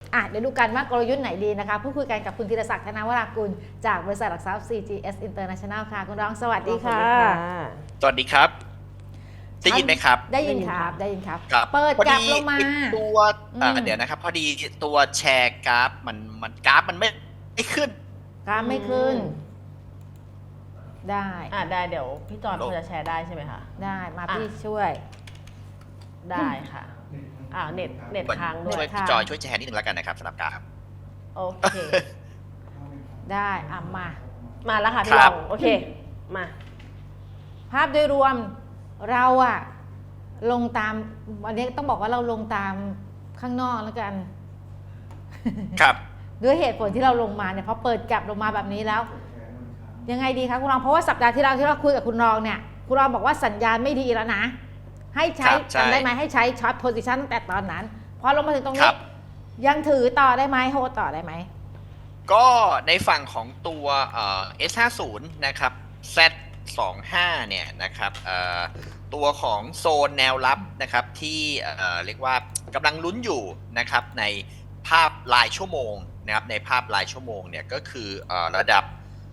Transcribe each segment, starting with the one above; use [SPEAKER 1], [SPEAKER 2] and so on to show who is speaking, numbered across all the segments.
[SPEAKER 1] เดี๋ยวดูกันว่ากลยุทธ์ไหนดีนะคะพูดคุยกันกับคุณธีรศักดิ์ธนวรากุลจากบริษัทหลักทรัพย์ CGS International ค่ะคุณรองสวัสดีค่ะ
[SPEAKER 2] สวัสดีครับได้ยินไหมครับ
[SPEAKER 1] ได้ยินครับได้ยินครับ
[SPEAKER 2] ครับ
[SPEAKER 1] เปิดกลับลงมา
[SPEAKER 2] ตัวเดี๋ยวนะครับพอดีตัวแชร์กราฟมันกราฟมันไม่ขึ้น
[SPEAKER 1] กราฟไม่ขึ้น ได้
[SPEAKER 3] ได้เดี๋ยวพี่จอนพอจะแชร์ได้ใช่ไหมคะ
[SPEAKER 1] ได้มาพี่ช่วย
[SPEAKER 3] ได้ค่ะเน็ตค้างด้ว
[SPEAKER 2] ช่วย ยพี่จอยช่วยแชร์นิดนึงแล้วกันนะครับสำหรับกราฟ
[SPEAKER 3] โอเค
[SPEAKER 1] ได้มา
[SPEAKER 3] มาแล้วค่ะ
[SPEAKER 2] ค
[SPEAKER 3] พี่
[SPEAKER 2] รั
[SPEAKER 3] ล
[SPEAKER 2] บ
[SPEAKER 3] องโอเคมา
[SPEAKER 1] ภาพโดยรวมเราลงตามวันนี้ต้องบอกว่าเราลงตามข้างนอกแล้วกัน
[SPEAKER 2] ครับ
[SPEAKER 1] ด้วยเหตุผลที่เราลงมาเนี่ยพอเปิดกลับลงมาแบบนี้แล้ว ยังไงดีคะคุณรองเพราะว่าสัปดาห์ที่เราคุยกับคุณรองเนี่ยคุณรองบอกว่าสัญญาณไม่ดีแล้วนะ ให้ใช้
[SPEAKER 2] ใช่
[SPEAKER 1] จำได้ไหมให้ใช้ช็อตโพซิชันตั้งแต่ตอนนั้นพอลงมาถึงตรง
[SPEAKER 2] ค
[SPEAKER 1] นี้
[SPEAKER 2] รับ
[SPEAKER 1] ยังถือต่อได้ไหมโฮต่อได้ไหม
[SPEAKER 2] ก็ในฝั่งของตัวS50 นะครับ Z25 เนี่ยนะครับตัวของโซนแนวรับนะครับที่เรียกว่ากำลังลุ้นอยู่นะครับในภาพรายชั่วโมงนะครับในภาพรายชั่วโมงเนี่ยก็คือระดับ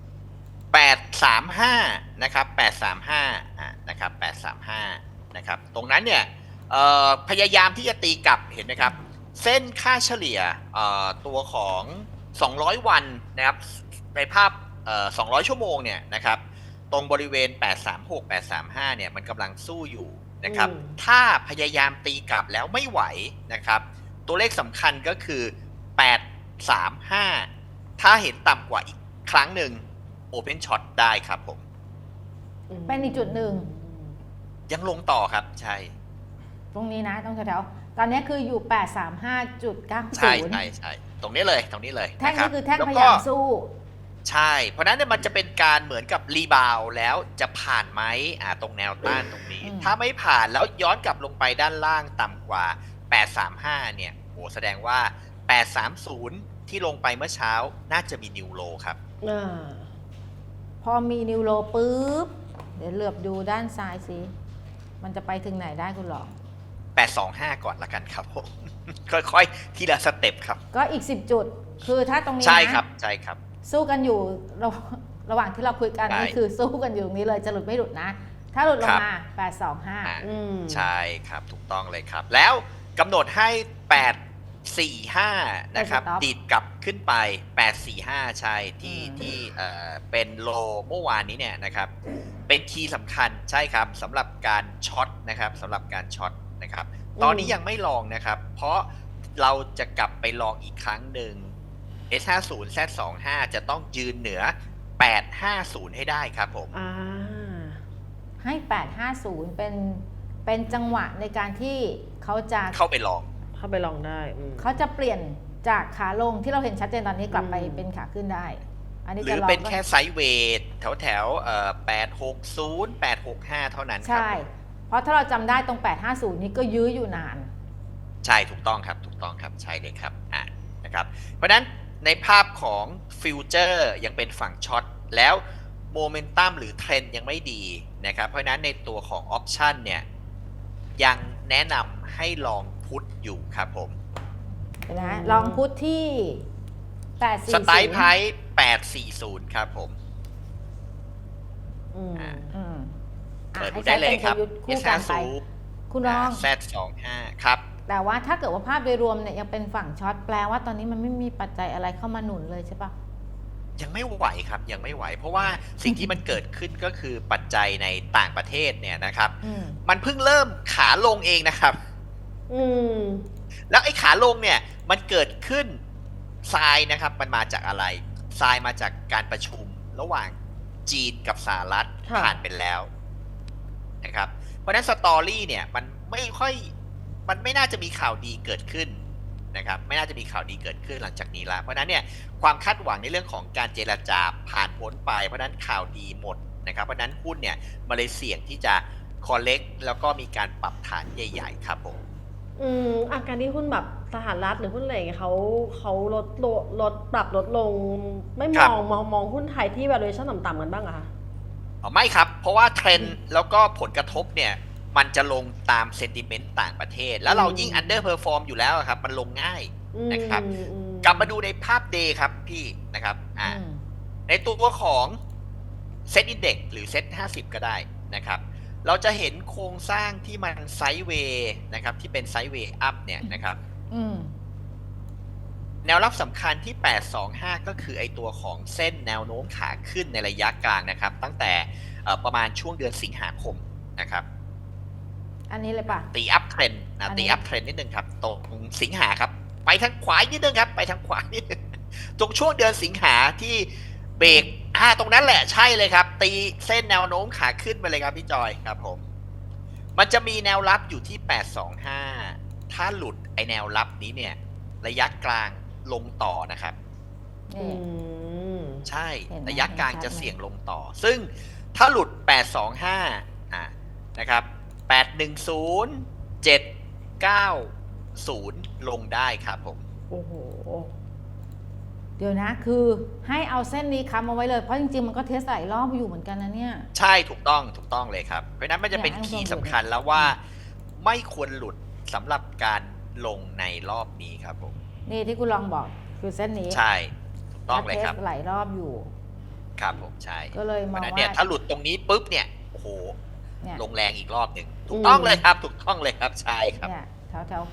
[SPEAKER 2] 835นะครับ835นะครับ835นะครับตรงนั้นเนี่ยพยายามที่จะตีกลับเห็นไหมครับเส้นค่าเฉลี่ยตัวของ200วันนะครับในภาพ200ชั่วโมงเนี่ยนะครับตรงบริเวณ836 835เนี่ยมันกำลังสู้อยู่นะครับถ้าพยายามตีกลับแล้วไม่ไหวนะครับตัวเลขสำคัญก็คือ835ถ้าเห็นต่ำกว่าอีกครั้งหนึ่ง Open Shot ได้ครับผม
[SPEAKER 1] เป็นอีกจุดหนึ่ง
[SPEAKER 2] ยังลงต่อครับใช่
[SPEAKER 1] ตรงนี้นะต้องแถวๆตอนนี้คืออยู่ 835.90
[SPEAKER 2] ใช่ตรงนี้เลย
[SPEAKER 1] แท่ง
[SPEAKER 2] ะรับ
[SPEAKER 1] นี้คือแท่ง
[SPEAKER 2] ล้ว
[SPEAKER 1] พ
[SPEAKER 2] ก็
[SPEAKER 1] ยายามสู้
[SPEAKER 2] ใช่เพราะนั้นเนี่ยมันจะเป็นการเหมือนกับรีบาวแล้วจะผ่านไหมตรงแนวต้านตรงนี้ ถ้าไม่ผ่านแล้วย้อนกลับลงไปด้านล่างต่ำกว่า 835เนี่ยโหแสดงว่า 830 ที่ลงไปเมื่อเช้าน่าจะมีนิวโลครับ
[SPEAKER 1] พอมีนิวโรปุ๊บเดี๋ยวเหลือบดูด้านซ้ายสิมันจะไปถึงไหนได้คุณหรอ
[SPEAKER 2] 825 ก่อนละกันครับผม ค่อยๆทีละสเต็ปครับ
[SPEAKER 1] ก็อีก10จุดคือถ้าตรงนี้
[SPEAKER 2] ใช่
[SPEAKER 1] นะครับ สู้กันอยู่ระหว่างที่เราคุยกัน
[SPEAKER 2] ใช่
[SPEAKER 1] นี่คือสู้กันอยู่ตรงนี้เลยจะหลุดไม่หลุดนะ ถ้าหลุดลงมา 825
[SPEAKER 2] ใช่ครับถูกต้องเลยครับ แล้วกำหนดให้ 845 นะครับ
[SPEAKER 1] stop
[SPEAKER 2] ดีดกลับขึ้นไป 845 ใช่ที่เป็นโลเมื่อวานนี้เนี่ยนะครับเป็นคีย์สำคัญใช่ครับสำหรับการช็อตนะครับสำหรับการช็อตนะครับตอนนี้ยังไม่ลองนะครับ เพราะเราจะกลับไปลองอีกครั้งหนึ่ง S50 Z25 จะต้องยืนเหนือ 850 ให้ได้ครับผม
[SPEAKER 1] ให้ 850 เป็นจังหวะในการที่เขาจะ
[SPEAKER 2] เข้าไปลอง
[SPEAKER 3] ได้
[SPEAKER 1] เขาจะเปลี่ยนจากขาลงที่เราเห็นชัดเจนตอนนี้กลับไปเป็นขาขึ้นได้ อันนี้
[SPEAKER 2] ห
[SPEAKER 1] จะ
[SPEAKER 2] รือ
[SPEAKER 1] ลอง
[SPEAKER 2] เป็นแค่ไซด์เวทแถว860 865 เท่านั้นครับ
[SPEAKER 1] ใช่ เพราะถ้าเราจำได้ตรง 850 นี้ก็ยื้ออยู่นาน
[SPEAKER 2] ใช่ถูกต้องครับใช่เลยครับนะครับเพราะฉะนั้นในภาพของฟิวเจอร์ยังเป็นฝั่งช็อตแล้วโมเมนตัมหรือเทรนด์ยังไม่ดีนะครับเพราะฉะนั้นในตัวของออปชันเนี่ยยังแนะนำให้ลองพุทอยู่ครับผม
[SPEAKER 1] นะลองพุทที่ 840
[SPEAKER 2] สไตล์ไพร์840 ครับผม เปิดดูได้เลยครับ
[SPEAKER 1] ให้ใช้เป็นกลยุทธ์คู่กันไป คุณรอง
[SPEAKER 2] Z25 ครับ
[SPEAKER 1] แต่ว่าถ้าเกิดว่าภาพโดยรวมเนี่ยยังเป็นฝั่งช็อตแปลว่าตอนนี้มันไม่มีปัจจัยอะไรเข้ามาหนุนเลยใช่ปะ
[SPEAKER 2] ยังไม่ไหวครับยังไม่ไหว เพราะว่าสิ่งที่มันเกิดขึ้นก็คือปัจจัยในต่างประเทศเนี่ยนะครับ มันเพิ่งเริ่มขาลงเองนะครับ แล้วไอ้ขาลงเนี่ยมันเกิดขึ้นทรายนะครับมันมาจากอะไรทรายมาจากการประชุมระหว่างจีนกับสหรัฐ
[SPEAKER 3] ค่ะ
[SPEAKER 2] ผ่านไปแล้วนะครับเพราะฉะนั้นสตอรี่เนี่ยมันไม่น่าจะมีข่าวดีเกิดขึ้นนะครับไม่น่าจะมีข่าวดีเกิดขึ้นหลังจากนี้แล้วเพราะฉะนั้นเนี่ยความคาดหวังในเรื่องของการเจรจาผ่านพ้นไปเพราะฉะนั้นข่าวดีหมดนะครับเพราะฉะนั้นหุ้นเนี่ยมาเลยเสี่ยงที่จะคอลเลกแล้วก็มีการปรับฐานใหญ่ๆครับผม
[SPEAKER 3] อาการที่หุ้นแบบสหรัฐหรือหุ้นอะไรอย่างเงี้ยเขาปรับลดลงไม่มองหุ้นไทยที่ valuation ต่ำๆกันบ้างอะคะ
[SPEAKER 2] ไม่ครับเพราะว่าเทรนด์แล้วก็ผลกระทบเนี่ยมันจะลงตามเซนติเมนต์ต่างประเทศ แล้วเรายิ่ง underperform อยู่แล้วครับมันลงง่ายนะครับ
[SPEAKER 3] อืม
[SPEAKER 2] กลับมาดูในภาพ day ครับพี่นะครับในตัวของเซตอินเด็กหรือเซต50 ก็ได้นะครับเราจะเห็นโครงสร้างที่มันไซด์เวย์นะครับที่เป็นไซด์เวย์อัพเนี่ยนะครับแนวรับสำคัญที่ 825 ก็คือไอตัวของเส้นแนวโน้มขาขึ้นในระยะกลางนะครับตั้งแต่ประมาณช่วงเดือนสิงหาคมนะครับ
[SPEAKER 1] อันนี้เลยป่ะ
[SPEAKER 2] ตีอัพเทรนนะตีอัพเทรนนิดนึงครับตรงสิงหาครับไปทางขวานิดนึงครับไปทางขวานิดนึงตรงช่วงเดือนสิงหาที่เบรกตรงนั้นแหละใช่เลยครับตีเส้นแนวโน้มขาขึ้นไปเลยครับพี่จอยครับผมมันจะมีแนวรับอยู่ที่ 825 ถ้าหลุดไอแนวรับนี้เนี่ยระยะกลางลงต่อนะครับใช่ระยะกลางจะเสี่ยงลงต่อซึ่งถ้าหลุด 825 นะครับ 810 790 ลงได้ครับผม
[SPEAKER 3] โอ้โห
[SPEAKER 1] เดี๋ยวนะคือให้เอาเส้นนี้ค้ำเอาไว้เลยเพราะจริงๆมันก็เทสหลายรอบอยู่เหมือนกันนะเนี่ย
[SPEAKER 2] ใช่ถูกต้องเลยครับเพราะนั้นมันจะเป็นคีย์สำคัญแล้วว่าไม่ควรหลุดสำหรับการลงในรอบนี้ครับผม
[SPEAKER 1] นี่ที่คุณลองบอกคือเส้นนี้
[SPEAKER 2] ใช่ถูกต้องเลยครับ
[SPEAKER 1] หลายรอบอยู่
[SPEAKER 2] ครับผมใช่
[SPEAKER 1] ก็เลยมองว่า
[SPEAKER 2] เนี่ยถ้าหลุดตรงนี้ปุ๊บเนี่ยโอ้โหลงแรงอีกรอบหนึ่งถูกต้องเลยครับถูกต้องเลยครับใช่ครับ
[SPEAKER 1] เนี่ยแถว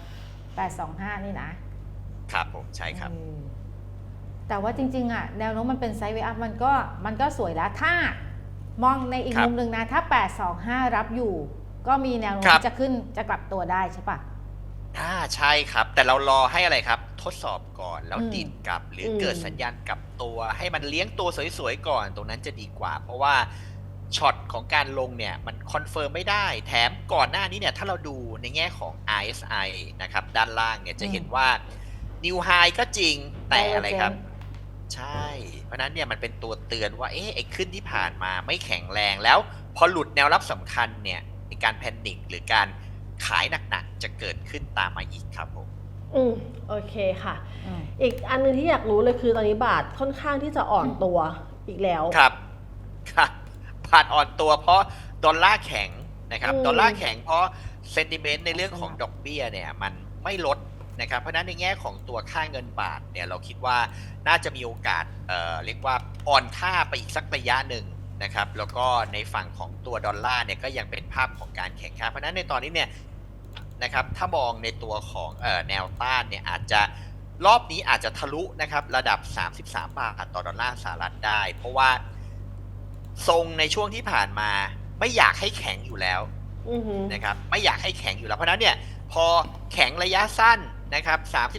[SPEAKER 1] 825นี่นะครับ
[SPEAKER 2] ผมใช่ครับ
[SPEAKER 1] แต่ว่าจริงๆอ่ะแนวโน้มมันเป็นไซด์เวย์อัพมันก็สวยแล้วถ้ามองในอีกมุมหนึ่งนะถ้า825รับอยู่ก็มีแนวโน้มที่จะขึ้นจะกลับตัวได้ใช่ปะ
[SPEAKER 2] ใช่ครับแต่เรารอให้อะไรครับทดสอบก่อนแล้วดิดกลับหรือเกิดสัญญาณกลับตัวให้มันเลี้ยงตัวสวยๆก่อนตรงนั้นจะดีกว่าเพราะว่าช็อตของการลงเนี่ยมันคอนเฟิร์มไม่ได้แถมก่อนหน้านี้เนี่ยถ้าเราดูในแง่ของ RSI นะครับด้านล่างเนี่ยจะเห็นว่า New High ก็จริงแต่อะไรครับใช่เพราะนั้นเนี่ยมันเป็นตัวเตือนว่าไอ้ขึ้นที่ผ่านมาไม่แข็งแรงแล้วพอหลุดแนวรับสำคัญเนี่ยการแพนิคหรือการขายหนักๆจะเกิดขึ้นตามมาอีกครับผม
[SPEAKER 3] โอเคค่ะอีกอันนึงที่อยากรู้เลยคือตอนนี้บาทค่อนข้างที่จะอ่อนตัวอีกแล้ว
[SPEAKER 2] ครับบาทอ่อนตัวเพราะดอลลาร์แข็งนะครับดอลลาร์แข็งเพราะเซนติเมนต์ในเรื่องของดอกเบี้ยเนี่ยมันไม่ลดนะครับเพราะนั้นในแง่ของตัวค่าเงินบาทเนี่ยเราคิดว่าน่าจะมีโอกาสเรียกว่าอ่อนค่าไปอีกสักระยะหนึ่งนะครับแล้วก็ในฝั่งของตัวดอลลาร์เนี่ยก็ยังเป็นภาพของการแข็งค่าเพราะฉะนั้นในตอนนี้เนี่ยนะครับถ้ามองในตัวของแนวต้านเนี่ยอาจจะรอบนี้อาจจะทะลุนะครับระดับ33 บาทต่อดอลลาร์สหรัฐได้เพราะว่าทรงในช่วงที่ผ่านมาไม่อยากให้แข็งอยู่แล้วนะครับไม่อยากให้แข็งอยู่แล้วเพราะนั้นเนี่ยพอแข็งระยะสั้นนะครับ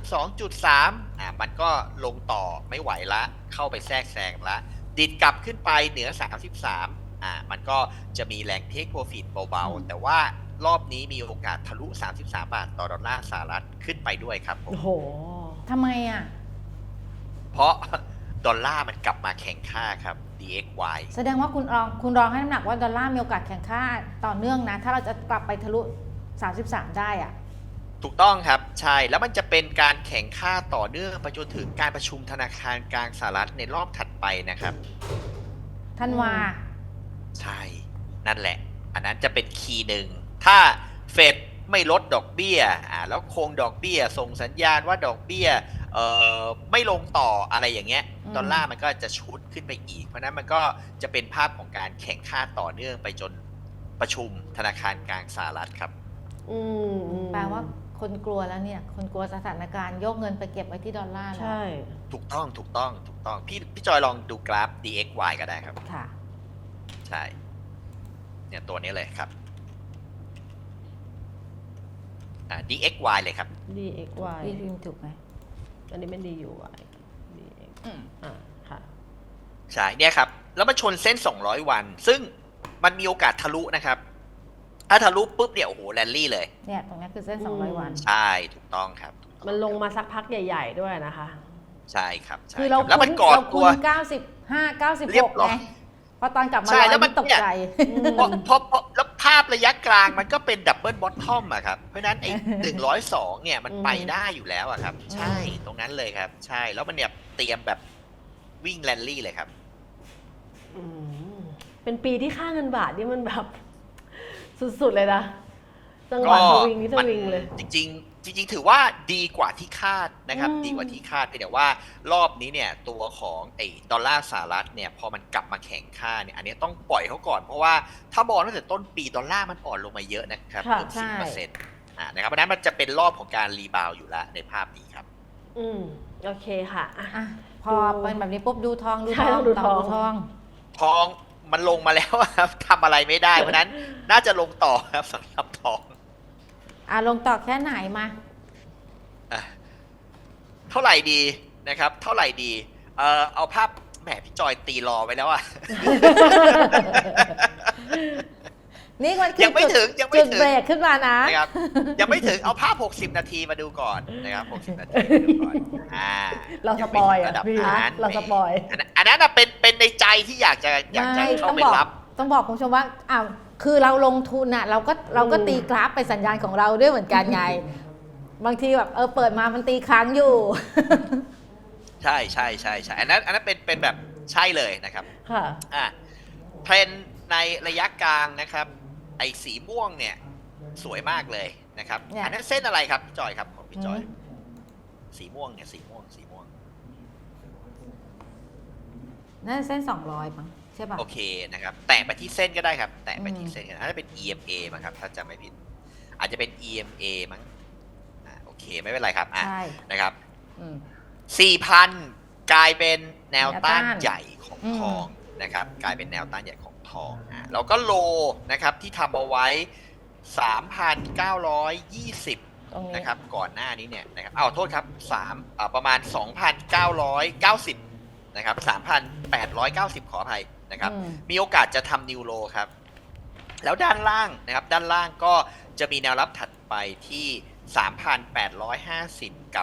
[SPEAKER 2] 32.3 มันก็ลงต่อไม่ไหวละเข้าไปแทรกแซงละดิดกลับขึ้นไปเหนือ33มันก็จะมีแรงเทคโปรฟิตเบาๆแต่ว่ารอบนี้มีโอกาสทะลุ33 บาทต่อดอลลาร์สหรัฐขึ้นไปด้วยครับผม
[SPEAKER 3] โอ้โห
[SPEAKER 1] ทำไม
[SPEAKER 2] เพราะดอลลาร์มันกลับมาแข็งค่าครับ DXY
[SPEAKER 1] แสดงว่าคุณรองให้น้ำหนักว่าดอลลาร์มีโอกาสแข็งค่าต่อเนื่องนะถ้าเราจะกลับไปทะลุ33ได้
[SPEAKER 2] ถูกต้องครับใช่แล้วมันจะเป็นการแข่งค่าต่อเนื่องไปจนถึงการประชุมธนาคารกลางสหรัฐในรอบถัดไปนะครับ
[SPEAKER 1] ธันวา
[SPEAKER 2] ใช่นั่นแหละอันนั้นจะเป็นคีย์หนึ่งถ้าเฟดไม่ลดดอกเบี้ยแล้วคงดอกเบี้ยส่งสัญญาณว่าดอกเบี้ยไม่ลงต่ออะไรอย่างเงี้ยดอลลาร์มันก็จะชุดขึ้นไปอีกเพราะนั้นมันก็จะเป็นภาพของการแข่งค่าต่อเนื่องไปจนประชุมธนาคารกลางสหรัฐครับ
[SPEAKER 1] แปลว่าคนกลัวแล้วเนี่ยคนกลัวสถานการณ์โยกเงินไปเก็บไว้ที่ดอลลาร์แล้ว
[SPEAKER 3] ใช่
[SPEAKER 2] ถูกต้องพี่จอยลองดูกราฟ DXY ก็ได้ครับ
[SPEAKER 1] ค่ะ
[SPEAKER 2] ใช่เนี่ยตัวนี้เลยครับDXY เลยครับ
[SPEAKER 3] DXY
[SPEAKER 1] พี่พิมพ์ถูกไหม
[SPEAKER 3] อันนี้เป็น DUY DX ค่ะ
[SPEAKER 2] ใช่เนี่ยครับแล้วมาชนเส้น200วันซึ่งมันมีโอกาสทะลุนะครับถ้าทะลุปุ๊บเนี่ยโอ้โหแรลลี่เลย
[SPEAKER 1] เนี่ยตรงนี้คือเส้น200วัน
[SPEAKER 2] ใช่ถูกต้องครับ
[SPEAKER 3] มันลงมาสักพักใหญ่ๆด้วยนะคะ
[SPEAKER 2] ใช่ครับ
[SPEAKER 1] คือเรา
[SPEAKER 2] แล้วมันก่อตัว
[SPEAKER 1] 95 96ไงพอตอนกลับมา
[SPEAKER 2] แล้วมัน
[SPEAKER 1] ตกใจ
[SPEAKER 2] พอแล้วภาพระยะกลางมันก็เป็นดับเบิลบอททอมอะครับเพราะนั้นไอ้102เนี่ยมันไปได้อยู่แล้วอะครับใช่ตรงนั้นเลยครับใช่แล้วมันเนี่ยเตรียมแบบวิ่งแรลลี่เลยครับ
[SPEAKER 3] เป็นปีที่ค่าเงินบาทนี่มันแบบสุดๆเลยนะจังหวะสวิงนี่สวิงเลย
[SPEAKER 2] จริงจริงๆถือว่าดีกว่าที่คาดนะครับ
[SPEAKER 3] อืม
[SPEAKER 2] ดีกว่าที่คาดเพียงแต่ว่ารอบนี้เนี่ยตัวของไอ้ดอลลาร์สหรัฐเนี่ยพอมันกลับมาแข็งค่าเนี่ยอันนี้ต้องปล่อยเขาก่อนเพราะว่าถ้ามองตั้งแต่ต้นปีดอลลาร์มันอ่อนลงมาเยอะนะครับ
[SPEAKER 3] ค่ะ
[SPEAKER 2] เกือบ
[SPEAKER 1] ใช่
[SPEAKER 2] 10%นะครับเพราะฉะนั้นมันจะเป็นรอบของการรีบาวด์อยู่แล้วในภาพนี้ครับ
[SPEAKER 3] โอเคค่ะอ่ะ
[SPEAKER 1] อ่ะพอเป็นแบบนี้ปุ๊บดูทองดู
[SPEAKER 3] ใช่
[SPEAKER 1] ทอง
[SPEAKER 3] ต้องดู
[SPEAKER 1] ต่
[SPEAKER 3] ทอง
[SPEAKER 1] ดูทอง
[SPEAKER 2] ทองมันลงมาแล้วครับ ทำอะไรไม่ได้เพราะฉะนั้นน่าจะลงต่อครับสำหรับทอง
[SPEAKER 1] ลงต่อแค่ไหนมา
[SPEAKER 2] อ่ะเท่าไหร่ดีนะครับ เท่าไหร่ดีเอาภาพแหมพี่จอยตีรอไว้แล้วอะ
[SPEAKER 1] นี่มันคือ
[SPEAKER 2] ยังไม่ถึงยังไม่
[SPEAKER 1] จุด
[SPEAKER 2] ถึง
[SPEAKER 1] เบรกขึ้นมานะ
[SPEAKER 2] นะครับยังไม่ถึงเอาภาพ 60 นาทีมาดูก่อนนะครับ60 นาทีมาดูก่อน
[SPEAKER 3] เราส
[SPEAKER 2] ยัง
[SPEAKER 3] ป
[SPEAKER 2] ไม่
[SPEAKER 3] อย
[SPEAKER 2] ถึง
[SPEAKER 3] อ่ะ
[SPEAKER 2] ระดับ
[SPEAKER 3] พี่
[SPEAKER 2] นั้น
[SPEAKER 3] เราสปอย
[SPEAKER 2] อันนั้นน่ะเป็นในใจที่อยากจะเข้าไปรับ
[SPEAKER 1] ต้องบอกคุณผู้ชมว่าคือเราลงทุนเราก็ตีกราฟไปสัญญาณของเราด้วยเหมือนกันไง บางทีแบบเปิดมามันตีค้างอยู่
[SPEAKER 2] ใช่ใช่ใช่ใช่อันนั้นเป็นแบบใช่เลยนะครับ
[SPEAKER 3] ค่ะ
[SPEAKER 2] เทรนด์ในระยะกลางนะครับไอ้สีม่วงเนี่ยสวยมากเลยนะครับ
[SPEAKER 1] เนี่ย
[SPEAKER 2] อันนั้นเส้นอะไรครับพี่จอยครับของพี่จอย
[SPEAKER 1] อืม
[SPEAKER 2] สีม่วงเนี่ยสีม่วง
[SPEAKER 1] นั่นเส้น200มั้งใช่ป่ะ
[SPEAKER 2] โอเคนะครับแตะไปที่เส้นก็ได้ครับแตะไปที่เส้นกันถ้าจะเป็น EMA มั้งครับถ้าจำไม่ผิดอาจจะเป็น EMA มั้งโอเคไม่เป็นไรครับ
[SPEAKER 1] ใช่
[SPEAKER 2] นะครับ
[SPEAKER 1] อืม
[SPEAKER 2] 4,000 กลายเป็นแนวต้าน
[SPEAKER 1] แนวต้าน
[SPEAKER 2] ใหญ่ของ
[SPEAKER 1] อืม
[SPEAKER 2] ทองนะครับกลายเป็นแนวต้านใหญ่ของทองแล้วก็โลนะครับที่ทำเอาไว้ 3,920
[SPEAKER 1] ตรงนี้
[SPEAKER 2] นะครับก่อนหน้านี้เนี่ยนะครับโทษครับประมาณ 2,990 นะครับ 3,890 ขออภัยนะครับ
[SPEAKER 1] อืม
[SPEAKER 2] มีโอกาสจะทำนิวโลครับ แล้วด้านล่างนะครับด้านล่างก็จะมีแนวรับถัดไปที่ 3,850 กับ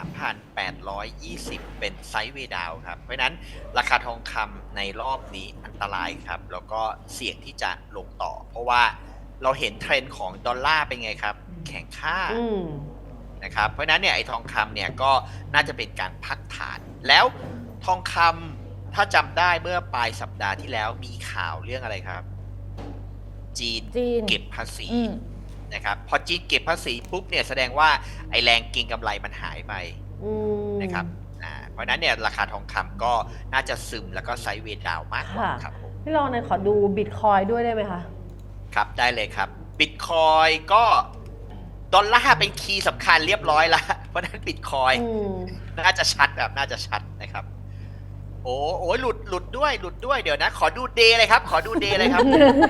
[SPEAKER 2] 3,820 เป็นไซด์เวย์ดาวน์ครับ เพราะฉะนั้นราคาทองคำในรอบนี้อันตรายครับ แล้วก็เสี่ยงที่จะลงต่อ เพราะว่าเราเห็นเทรนด์ของดอลลาร์เป็นไงครับ แข็งค่า นะครับเพราะฉะนั้นเนี่ยไอ้ทองคำเนี่ยก็น่าจะเป็นการพักฐาน แล้วทองคำถ้าจำได้เมื่อปลายสัปดาห์ที่แล้วมีข่าวเรื่องอะไรครับ จีน
[SPEAKER 1] จีน
[SPEAKER 2] เก็บภาษี
[SPEAKER 1] อืม
[SPEAKER 2] นะครับพอจีนเก็บภาษีปุ๊บเนี่ยแสดงว่าไอ้แรงเก็งกำไรมันหายไปนะครับเพราะฉะนั้นเนี่ยราคาทองคำก็น่าจะซึมแล้วก็ไซด์เวย์ดาวน์มากกว่า
[SPEAKER 3] ค่ะ
[SPEAKER 2] ครับผม
[SPEAKER 3] พี่ลองหนอยขอดูบิตคอยด้วยได้ไหมคะ
[SPEAKER 2] ครับได้เลยครับบิตคอยก็ดอลลาร์เป็นคีย์สำคัญเรียบร้อยแล้วเพราะฉะนั้นบิตคอย น่าจะชัดนะครับ โอ้หลุดด้วยเดี๋ยวนะ ขอดูเดย์เลยครับ ขอดูเดย์เลยครับ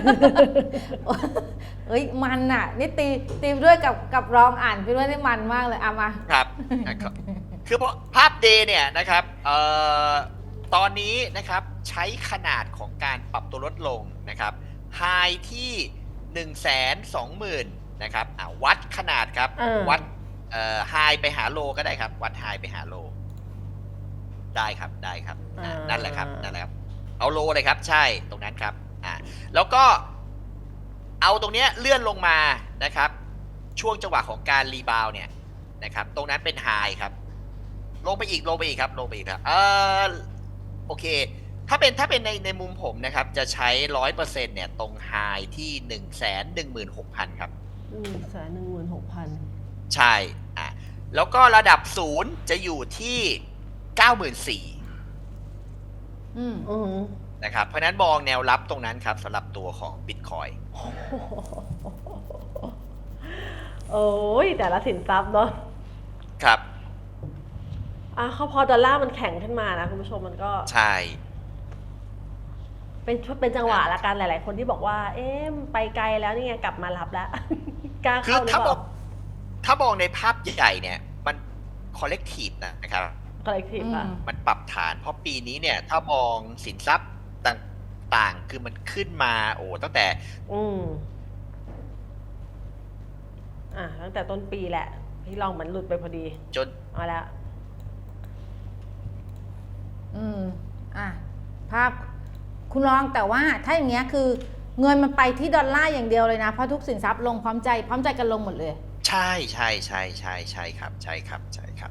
[SPEAKER 1] เอ้ยมันนี่ตีด้วยกับรองอ่านไปด้วยได้มันมากเลยมา
[SPEAKER 2] ครับ คือภาพเดย์เนี่ยนะครับตอนนี้นะครับใช้ขนาดของการปรับตัวลดลงนะครับไฮที่120,000นะครับวัดขนาดครับ วัดไฮไปหาโลก็ได้ครับ วัดไฮไปหาโล ได้ครับนั่นแหละครับเอาโลเลยครับใช่ตรงนั้นครับแล้วก็เอาตรงเนี้ยเลื่อนลงมานะครับ ช่วงจังหวะของการรีบาวเนี่ยนะครับตรงนั้นเป็นไฮครับลงไปอีกครับโอเคถ้าเป็นในมุมผมนะครับจะใช้ 100% เนี่ยตรงไฮที่ 116,000 ครับ
[SPEAKER 3] 116,000
[SPEAKER 2] ใช่แล้วก็ระดับ0จะอยู่ที่ 94,000 นะครับเพราะนั้นมองแนวรับตรงนั้นครับสำหรับตัวของ Bitcoin
[SPEAKER 3] โอ้ยแต่ละสินทรัพย์เนาะ
[SPEAKER 2] ครับ
[SPEAKER 3] เขาพอดอลลาร์มันแข็งขึ้นมานะคุณผู้ชมมันก็
[SPEAKER 2] ใช่
[SPEAKER 3] เป็นจังหวะละกันหลาย ๆ คนที่บอกว่า มันไปไกลแล้วนี่ไงกลับมารับแล้ว กล้า
[SPEAKER 2] คือ
[SPEAKER 3] เข้าหรือเปล่า
[SPEAKER 2] ถ้ามองในภาพใหญ่เนี่ยมัน collective นะครับ
[SPEAKER 3] collective อะ
[SPEAKER 2] มันปรับฐานเพราะปีนี้เนี่ยถ้ามองสินทรัพย์ต่างๆคือมันขึ้นมาตั้งแต่
[SPEAKER 3] ตั้งแต่ต้นปีแหละพี่ลองมันหลุดไปพอดี
[SPEAKER 2] จน
[SPEAKER 3] เอาละ
[SPEAKER 1] ภาพคุณลองแต่ว่าถ้าอย่างเงี้ยคือเงินมันไปที่ดอลลาร์อย่างเดียวเลยนะเพราะทุกสินทรัพย์ลงพร้อมใจกันลงหมดเลย
[SPEAKER 2] ใช่ครับ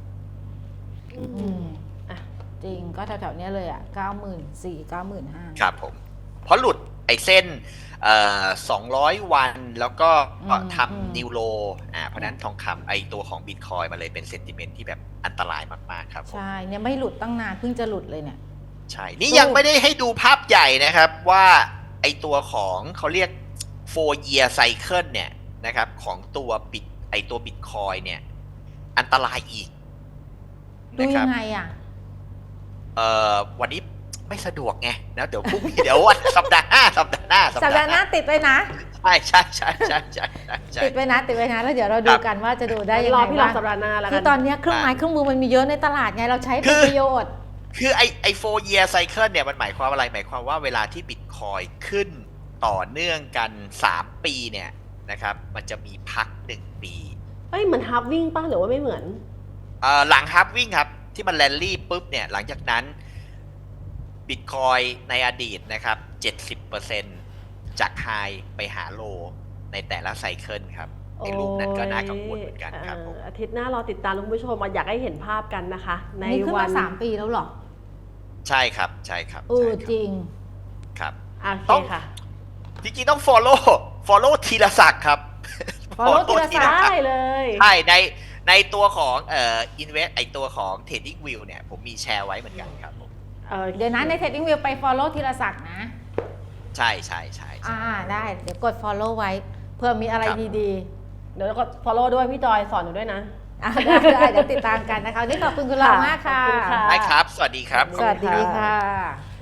[SPEAKER 1] จริงก็แถวๆเนี้ยเลย94,000 95,000
[SPEAKER 2] ครับผมเพราะหลุดไอ้เส้น200 วันแล้วก็
[SPEAKER 1] อืม
[SPEAKER 2] ทำนิวโลเพราะฉะนั้นทองคำไอ้ตัวของบิตคอยมันเลยเป็นเซนติเมนต์ที่แบบอันตรายมากๆครับผม
[SPEAKER 1] ใช่เนี่ยไม่หลุดตั้งนานเพิ่งจะหลุดเลยเนี่ย
[SPEAKER 2] ใช่ นี่ยังไม่ได้ให้ดูภาพใหญ่นะครับว่าไอตัวของเขาเรียก 4 year cycle เนี่ยนะครับของตัวตัวบิตคอยเนี่ยอันตรายอีก
[SPEAKER 1] ดู
[SPEAKER 2] นะค
[SPEAKER 1] ยั
[SPEAKER 2] รับ
[SPEAKER 1] งไงอ่ะ
[SPEAKER 2] วันนี้ไม่สะดวกไงนะเดี๋ยวพรุ่งนี้ เดี๋ยววันสัปดาห์หน้า
[SPEAKER 1] สัปดาห์หน้าติดไปนะ
[SPEAKER 2] ใช่ใช่ใช่ใช่ใช่ใช่
[SPEAKER 1] ติดไปนะแล้วเดี๋ยวเราดูกันว่าจะดูได้ยัง
[SPEAKER 3] ร
[SPEAKER 1] ไง
[SPEAKER 3] อพี่รอ
[SPEAKER 1] บ้าง
[SPEAKER 3] สัปดาห์หน้าแล้ว
[SPEAKER 1] คื
[SPEAKER 3] กั
[SPEAKER 1] อน ตอนเนี้ยเครื่องไม้เครื่องมือมันมีเยอะในตลาดไงเราใช้เป็นประโยชน์
[SPEAKER 2] คือไอ4 year cycle เนี่ยมันหมายความอะไรหมายความว่าเวลาที่บิตคอยขึ้นต่อเนื่องกัน3 ปีเนี่ยนะครับมันจะมีพัก1 ปี
[SPEAKER 3] เอ้ยเหมือนฮาร์ฟวิ่งป่ะหรือว่าไม่เหมือน
[SPEAKER 2] หลังฮับวิ่งครับที่มันแรลลี่ปุ๊บเนี่ยหลังจากนั้นบิตคอยในอดีตนะครับ 70%จากไฮไปหาโลในแต่ละไซเคิลครับในรูปนั้นก็น่ากังวลเหมือนกันครับผม
[SPEAKER 3] อาทิตย์หน้ารอติดตามคุณผู้ชมอยากให้เห็นภาพกันนะคะ ใน
[SPEAKER 1] นี่ขึ้น
[SPEAKER 3] วั
[SPEAKER 1] มาน 3 ปีแล้วเหรอ
[SPEAKER 2] ใช่ครับใช่ครับ
[SPEAKER 1] เออ
[SPEAKER 2] ใช่คบ
[SPEAKER 1] จริง
[SPEAKER 2] ครับ
[SPEAKER 3] โอเค
[SPEAKER 2] ต้อง
[SPEAKER 3] ค่ะ
[SPEAKER 2] จริงๆต้อง follow ธีรศักดิ์ครับ
[SPEAKER 1] follow ธีรศักดิ์
[SPEAKER 3] ได้เลย
[SPEAKER 2] ใช่ในตัวของinvest ไอตัวของ trading view เนี่ยผมมีแชร์ไว้เหมือนกันครับผม
[SPEAKER 1] เดี๋ยวนะใน Trading View ไป follow ธีรศักดิ์นะ
[SPEAKER 2] ใช่ใช่ใช่ใช่
[SPEAKER 1] ได้เดี๋ยวกด follow ไว้เพื่อมีอะไร
[SPEAKER 2] ครับ
[SPEAKER 1] ดี
[SPEAKER 3] เดี๋ยวก็ follow ด้วยพี่จอยสอนหนูด้วยนะ
[SPEAKER 1] ๆได้เดี๋ยวติดตามกันนะคะวันนี่ขอบคุณคุณเรามากค่ะ
[SPEAKER 3] ขอบคุณค่ะ
[SPEAKER 2] ได้ครับ สวัสดีครับ
[SPEAKER 1] สวัสดีค่ะ